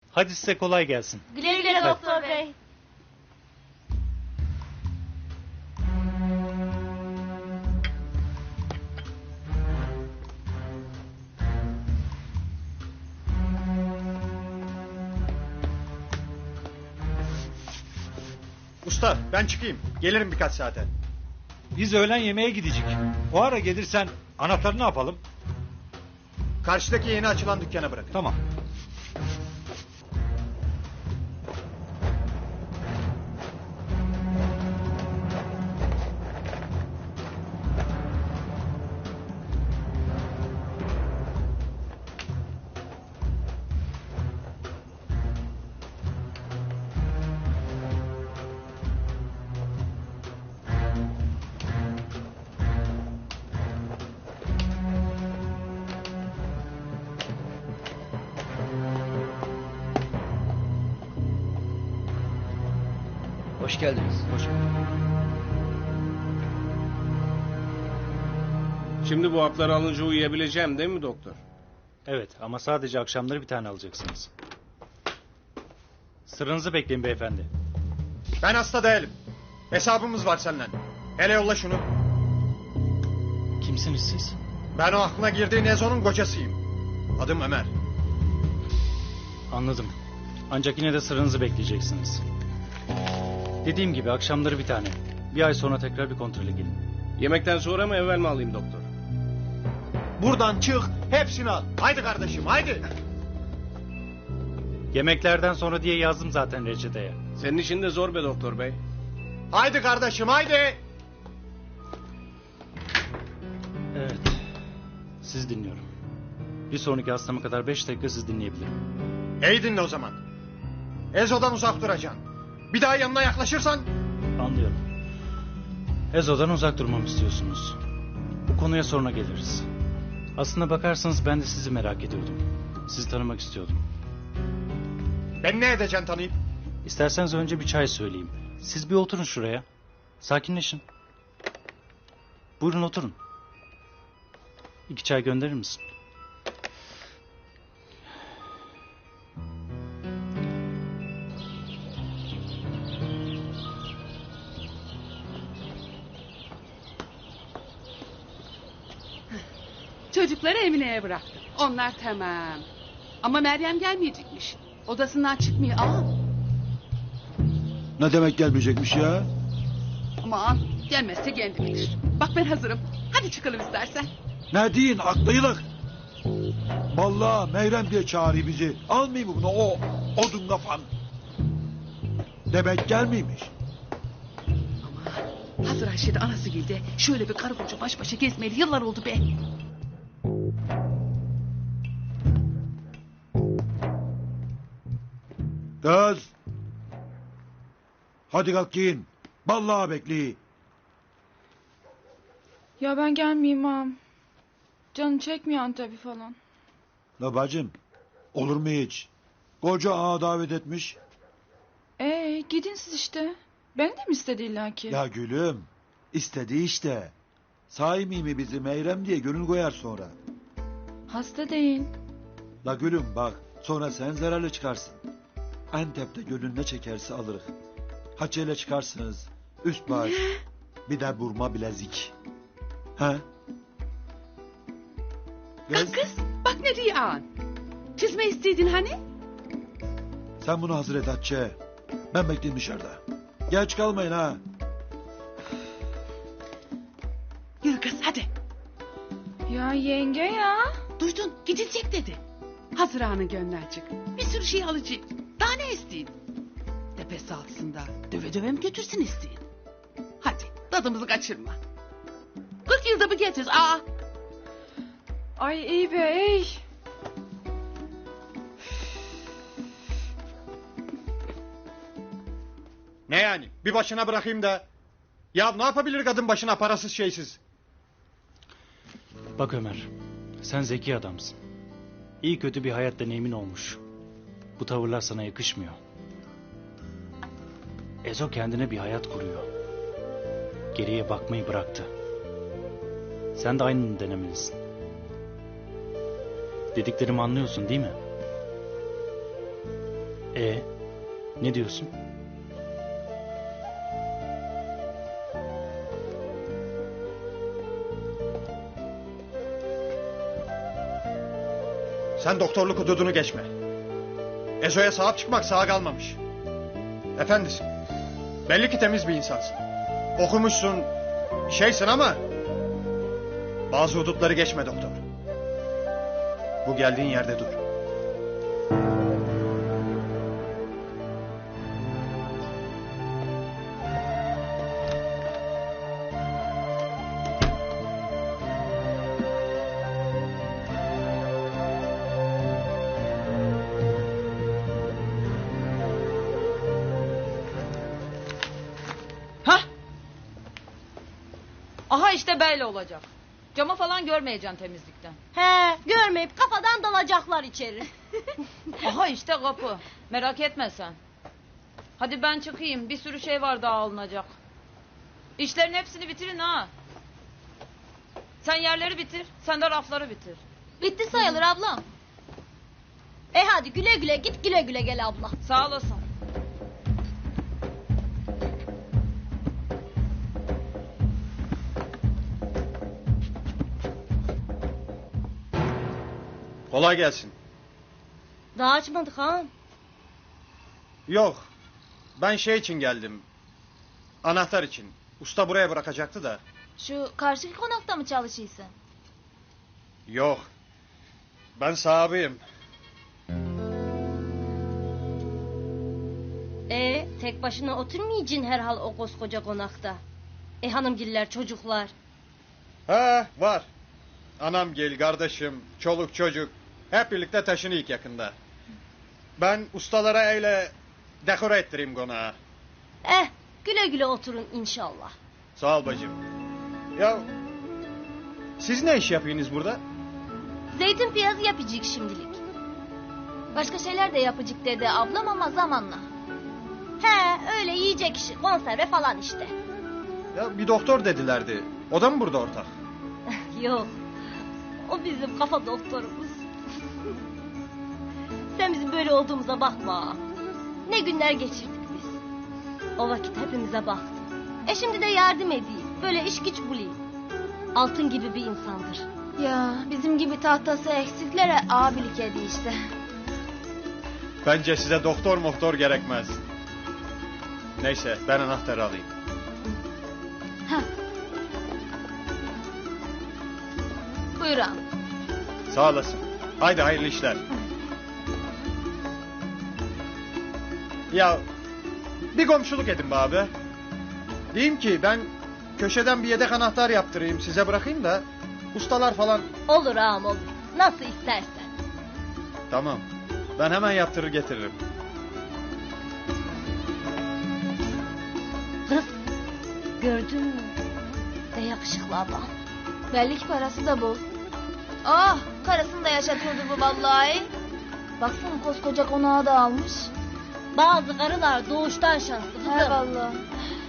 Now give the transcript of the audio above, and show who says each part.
Speaker 1: Hadi size kolay gelsin.
Speaker 2: Güle güle doktor bey.
Speaker 3: Usta ben çıkayım. Gelirim birkaç saate.
Speaker 1: Biz öğlen yemeğe gidecek. O ara gelirsen anahtarı ne yapalım?
Speaker 3: Karşıdaki yeni açılan dükkana bırakın.
Speaker 1: Tamam.
Speaker 4: Hoş geldiniz.
Speaker 1: Hoş
Speaker 5: Şimdi bu hapları alınca uyuyabileceğim değil mi doktor?
Speaker 1: Evet ama sadece akşamları bir tane alacaksınız. Sıranızı bekleyin beyefendi.
Speaker 3: Ben hasta değilim. Hesabımız var senden. Hele yolla şunu.
Speaker 1: Kimsiniz siz?
Speaker 3: Ben o aklına girdiğin Ezo'nun kocasıyım. Adım Ömer.
Speaker 1: Anladım. Ancak yine de sıranızı bekleyeceksiniz. Dediğim gibi akşamları bir tane. Bir ay sonra tekrar bir kontrole gelin.
Speaker 5: Yemekten sonra mı evvel mi alayım doktor?
Speaker 3: Buradan çık hepsini al. Haydi kardeşim haydi.
Speaker 1: Yemeklerden sonra diye yazdım zaten reçeteye.
Speaker 5: Senin işin de zor be doktor bey.
Speaker 3: Haydi kardeşim haydi.
Speaker 1: Evet. Siz dinliyorum. Bir sonraki hastama kadar 5 dakika siz dinleyebilirim.
Speaker 3: İyi dinle o zaman. Ezo'dan uzak duracaksın. Bir daha yanına yaklaşırsan...
Speaker 1: Anlıyorum. Ezo'dan uzak durmamı istiyorsunuz. Bu konuya sonra geliriz. Aslına bakarsanız ben de sizi merak ediyordum. Sizi tanımak istiyordum.
Speaker 3: Ben ne edeceksin tanıyıp?
Speaker 1: İsterseniz önce bir çay söyleyeyim. Siz bir oturun şuraya. Sakinleşin. Buyurun oturun. 2 çay gönderir misin?
Speaker 6: Çocukları Emine'ye bıraktım. Onlar tamam. Ama Meryem gelmeyecekmiş. Odasından çıkmıyor.
Speaker 7: Ne demek gelmeyecekmiş ya?
Speaker 6: Aman gelmezse kendi bilir. Bak ben hazırım. Hadi çıkalım istersen.
Speaker 7: Ne deyin aklıylık? Vallahi Meyrem diye çağırıyor bizi. Almayayım mı bunu o odun kafan? Demek gelmeymiş.
Speaker 6: Aman hazır Ayşe de anası geldi. Şöyle bir karı koca baş başa gezmeli yıllar oldu be.
Speaker 7: Kız. Hadi kalk giyin. Vallahi bekleyin.
Speaker 8: Ya ben gelmeyeyim ağam. Canım çekmiyor Antep'i falan.
Speaker 7: La bacım. Olur mu hiç? Koca ağa davet etmiş.
Speaker 8: Gidin siz işte. Beni de mi istedi illaki?
Speaker 7: Ya gülüm. İstedi işte. Sahi mi bizi Meyrem diye gönül koyar sonra.
Speaker 8: Hasta değil.
Speaker 7: La gülüm bak. Sonra sen zararlı çıkarsın. Antep'te gönül ne çekerse alırız. Haçeyle çıkarsınız. Üst baş. Bir de burma bilezik. He?
Speaker 6: Kız bak ne diyor ağan. Çizme isteydin hani?
Speaker 7: Sen bunu hazır et Hatice. Ben bekleyeyim dışarıda. Geç kalmayın ha.
Speaker 6: Yürü kız hadi.
Speaker 8: Ya yenge ya.
Speaker 6: Duydun gidilecek dedi. Hazır ağanın gönlü açık. Bir sürü şey alacak. Daha ne isteyin? Tepesi altında döve döve mi götürsün isteyin? Hadi tadımızı kaçırma. 40 yılda bir getir.
Speaker 8: Ay iyi be ey.
Speaker 3: Ne yani? Bir başına bırakayım da. Ya ne yapabilir kadın başına parasız şeysiz?
Speaker 1: Bak Ömer, sen zeki adamsın. İyi kötü bir hayat deneyimin olmuş. Bu tavırlar sana yakışmıyor. Ezo kendine bir hayat kuruyor. Geriye bakmayı bıraktı. Sen de aynını denemelisin. Dediklerimi anlıyorsun değil mi? Ne diyorsun?
Speaker 3: Sen doktorluk hududunu geçme. Ezo'ya sahip çıkmak sağa kalmamış. Efendisin. Belli ki temiz bir insansın. Okumuşsun, şeysin ama... bazı hudutları geçme doktor. Bu geldiğin yerde dur.
Speaker 2: Aha işte böyle olacak. Cama falan görmeyeceksin temizlikten.
Speaker 9: He, görmeyip kafadan dalacaklar içeri.
Speaker 2: Aha işte kapı. Merak etme sen. Hadi ben çıkayım. Bir sürü şey var daha alınacak. İşlerin hepsini bitirin ha. Sen yerleri bitir. Sen de rafları bitir.
Speaker 9: Bitti sayılır ablam. Hadi güle güle git, güle güle gel abla.
Speaker 2: Sağ olasın.
Speaker 3: Kolay gelsin.
Speaker 9: Daha açmadık ha.
Speaker 3: Yok. Ben şey için geldim. Anahtar için. Usta buraya bırakacaktı da.
Speaker 8: Şu karşıki konakta mı çalışıyorsun?
Speaker 3: Yok. Ben sahibiyim.
Speaker 9: Tek başına oturmayacaksın herhal o koskoca konakta. Hanımgiller, çocuklar.
Speaker 3: Ha var. Anam gel, kardeşim, çoluk çocuk. Hep birlikte taşınıyık yakında. Ben ustalara öyle dekore ettireyim konağı.
Speaker 9: Güle güle oturun inşallah.
Speaker 3: Sağ ol bacım. Ya siz ne iş yapıyorsunuz burada?
Speaker 9: Zeytin piyazı yapacak şimdilik.
Speaker 8: Başka şeyler de yapacak dedi ablam ama zamanla.
Speaker 9: Öyle yiyecek işi, konserve falan işte.
Speaker 3: Ya bir doktor dedilerdi. O da mı burada ortak?
Speaker 9: Yok. O bizim kafa doktorumuz. Sen bizim böyle olduğumuza bakma. Ne günler geçirdik biz. O vakit hepimize baktı. Şimdi de yardım edeyim. Böyle iş güç bulayım. Altın gibi bir insandır.
Speaker 8: Ya bizim gibi tahtası eksiklere abilik ediyor işte.
Speaker 3: Bence size doktor gerekmez. Neyse ben anahtarı alayım.
Speaker 8: Buyur ağam.
Speaker 3: Sağ olasın. Haydi hayırlı işler. Ya bir komşuluk edin be abi. Diyeyim ki ben köşeden bir yedek anahtar yaptırayım, size bırakayım da ustalar falan.
Speaker 9: Olur ağam olur. Nasıl istersen.
Speaker 3: Tamam. Ben hemen yaptırır getiririm.
Speaker 9: Kız gördün mü? Ne yakışıklı adam.
Speaker 8: Belli ki parası da bol. Ah, karısını da yaşatıyordur bu vallahi. Baksana koskoca konağı da almış.
Speaker 9: Bazı karılar doğuştan şanslı kızım.
Speaker 8: He vallahi.